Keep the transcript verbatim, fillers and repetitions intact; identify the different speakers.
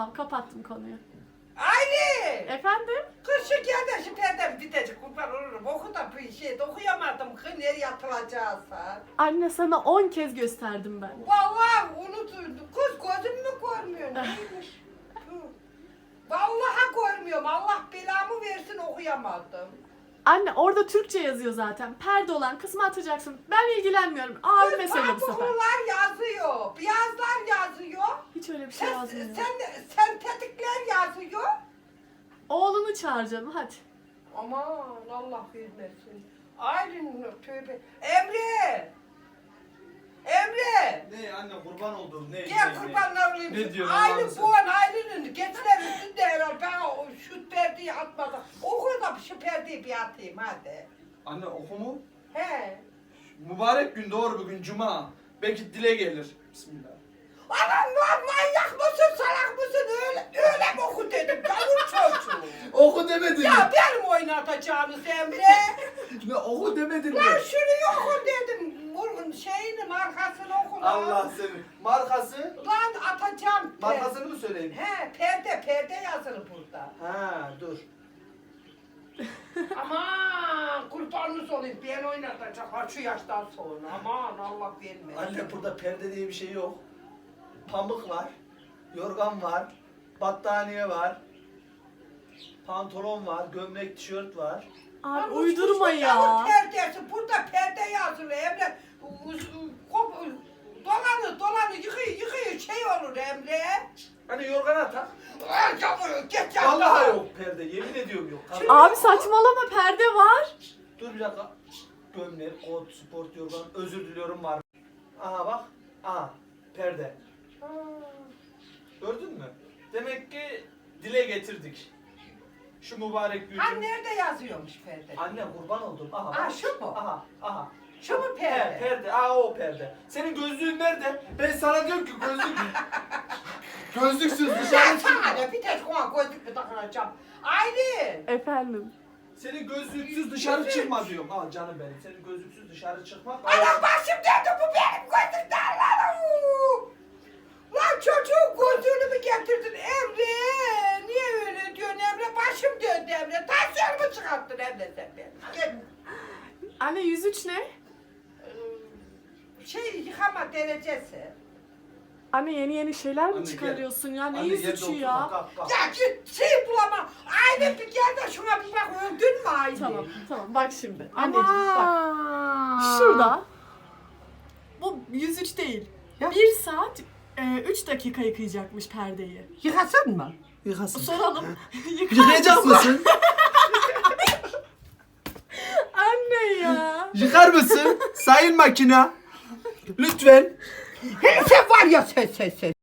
Speaker 1: Tamam, kapattım konuyu.
Speaker 2: Aylin!
Speaker 1: Efendim?
Speaker 2: Kız şu gel de şu perdem bitecek kurban olurum. Oku da bir şey de okuyamadım. Kız nereye atılacağızsa.
Speaker 1: Anne sana on kez gösterdim ben.
Speaker 2: Vallahi unutuldu. Kız gözüm mü görmüyor? Neymiş? Tüh. Vallahi görmüyorum. Allah belamı versin okuyamadım.
Speaker 1: Anne orada Türkçe yazıyor zaten. Perde olan kısmı atacaksın. Ben ilgilenmiyorum. Abime söyle bu sefer.
Speaker 2: Pamuklular yazıyor. Beyazlar yazıyor.
Speaker 1: Hiç öyle bir şey
Speaker 2: Sen,
Speaker 1: yazmıyor.
Speaker 2: sen, sentetikler yazıyor.
Speaker 1: Oğlunu çağır canım hadi.
Speaker 2: Aman Allah vermesin. Aylin tövbe. Emre! Emre!
Speaker 3: Ne anne kurban oldum ne?
Speaker 2: Gel
Speaker 3: ne,
Speaker 2: kurbanlar olayım.
Speaker 3: Ne diyorsun
Speaker 2: Aylin
Speaker 3: Allah'ım sen?
Speaker 2: bu an Aylin'in getirebilsin de herhalde. Ben o şu perdeyi atmadım. Oku da şu perdeyi bir atayım hadi.
Speaker 3: Anne oku mu?
Speaker 2: He.
Speaker 3: Mübarek gün doğru bugün cuma. Belki dile gelir. Bismillah.
Speaker 2: Anam lan manyak mısın salak mısın öyle, öyle mi oku dedim gavur çocuğu.
Speaker 3: Oku demedin mi?
Speaker 2: Ya benim oynatacağınız Emre.
Speaker 3: Ne oku demedin mi?
Speaker 2: Lan şunu oku dedim. Vurun şeyini markasını oku lan.
Speaker 3: Allah seni. Markası?
Speaker 2: Lan atacağım.
Speaker 3: Markasını mı söyleyeyim?
Speaker 2: He perde perde yazılı burada.
Speaker 3: Ha dur.
Speaker 2: Aman kurbanınız olayım ben oynatacağım ha şu yaştan sonra. Aman Allah vermesin.
Speaker 3: Anne burada perde diye bir şey yok. Pamuk var. Yorgan var. Battaniye var. Pantolon var. Gömlek, tişört var.
Speaker 1: Abi
Speaker 2: Lan
Speaker 1: uydurma
Speaker 2: uçmuş
Speaker 1: ya.
Speaker 2: yavru perdesi burada perde yazılı Emre. Kop, dolanı dolanı yıkıyor yıkıyor şey olur Emre.
Speaker 3: Hani yorgana tak.
Speaker 2: Ay yavru geç ya.
Speaker 3: Vallahi yok perde. Yemin ediyorum yok.
Speaker 2: Şimdi-
Speaker 1: Abi saçmalama perde var.
Speaker 3: Dur bir dakika. Gömlek, kot, sport yorgan. Özür diliyorum var. Aha bak. Aha. Perde.
Speaker 2: Ha.
Speaker 3: Gördün mü? Demek ki dile getirdik. Şu mübarek günü.
Speaker 2: Ha nerede yazıyormuş perde?
Speaker 3: Anne kurban oldum. Aha.
Speaker 2: Ha,
Speaker 3: bak.
Speaker 2: şu mu?
Speaker 3: Aha. Aha.
Speaker 2: Şu mu perde?
Speaker 3: He, perde. Aa o perde. Senin gözlüğün nerede? Ben sana diyorum ki gözlük. Gözlüksüz
Speaker 2: Ya
Speaker 3: dışarı
Speaker 2: sana
Speaker 3: çıkma.
Speaker 2: ne bir tek ona gözlük mü takılacağım? Aylin.
Speaker 1: Efendim.
Speaker 3: Senin gözlüksüz dışarı çıkma diyorum. Al canım benim. Senin gözlüksüz dışarı çıkmak.
Speaker 2: Anam başım döndü bu benim gözümden lan. Uuu. Lan çocuğun gözlüğünü mü getirdin Emre? Niye öyle diyorsun Emre? Başım döndü Emre. Tansiyon mu çıkarttın Emre sen benim? Gel.
Speaker 1: Anne yüz üç ne?
Speaker 2: Ee, Şey yıkama derecesi.
Speaker 1: Anne yeni yeni şeyler mi
Speaker 3: Anne,
Speaker 1: çıkarıyorsun ya? Ne
Speaker 3: Anne,
Speaker 1: yüz
Speaker 3: yerde
Speaker 1: üçü
Speaker 3: oturma,
Speaker 1: ya?
Speaker 3: kalk, kalk.
Speaker 2: Ya git şey bulama. Aile bir gel de şuna bir bak öldün mü Aile?
Speaker 1: Tamam tamam bak şimdi. Anneciğim bak.
Speaker 2: Aman.
Speaker 1: Şurada. Bu yüz üç değil.
Speaker 2: Ya.
Speaker 1: bir saat üç dakika yıkayacakmış perdeyi.
Speaker 2: Yıkasın mı?
Speaker 3: Yıkasın.
Speaker 1: Soralım. Yıkar
Speaker 3: Yıkayacak mısın?
Speaker 1: Anne ya.
Speaker 3: Yıkar mısın? Sayın makina. Lütfen.
Speaker 2: Sen var ya sen sen sen.